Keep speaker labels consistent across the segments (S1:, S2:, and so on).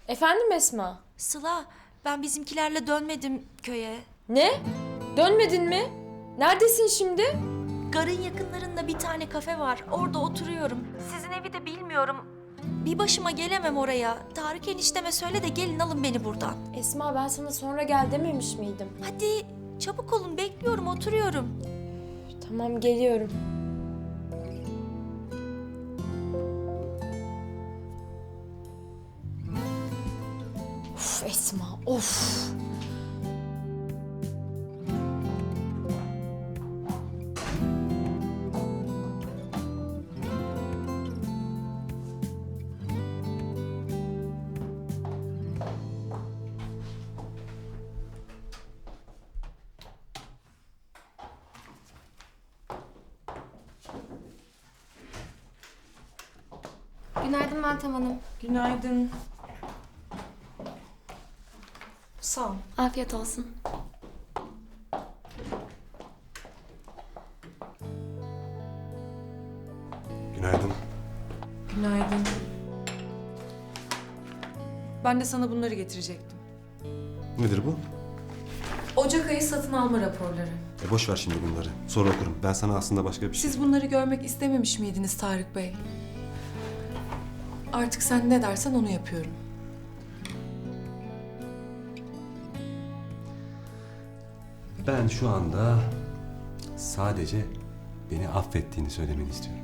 S1: Efendim Esma?
S2: Sıla, ben bizimkilerle dönmedim köye.
S1: Ne? Dönmedin mi? Neredesin şimdi?
S2: Garın yakınlarında bir tane kafe var. Orada oturuyorum. Sizin evi de bilmiyorum. Bir başıma gelemem oraya. Tarık enişteme söyle de gelin alın beni buradan.
S1: Esma ben sana sonra gel dememiş miydim?
S2: Hadi çabuk olun, bekliyorum, oturuyorum.
S1: Tamam geliyorum. Of Esma of.
S3: Günaydın Meltem Hanım.
S4: Günaydın. Sağ ol.
S3: Afiyet olsun.
S5: Günaydın.
S4: Günaydın. Ben de sana bunları getirecektim.
S5: Nedir bu?
S4: Ocak ayı satın alma raporları.
S5: Boş ver şimdi bunları. Sonra okurum. Ben sana aslında başka bir şey...
S4: Siz bunları görmek istememiş miydiniz Tarık Bey? Artık sen ne dersen onu yapıyorum.
S5: Ben şu anda sadece beni affettiğini söylemeni istiyorum.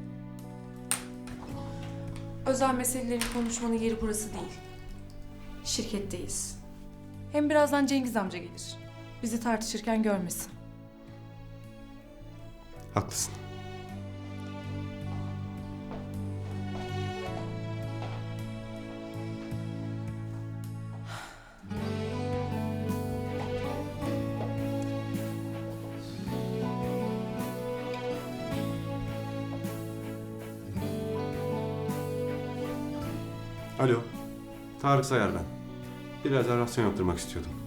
S4: Özel meseleleri konuşmanın yeri burası değil. Şirketteyiz. Hem birazdan Cengiz amca gelir. Bizi tartışırken görmesin.
S5: Haklısın. Alo. Tarık Sayar ben. Biraz arasyon yaptırmak istiyordum.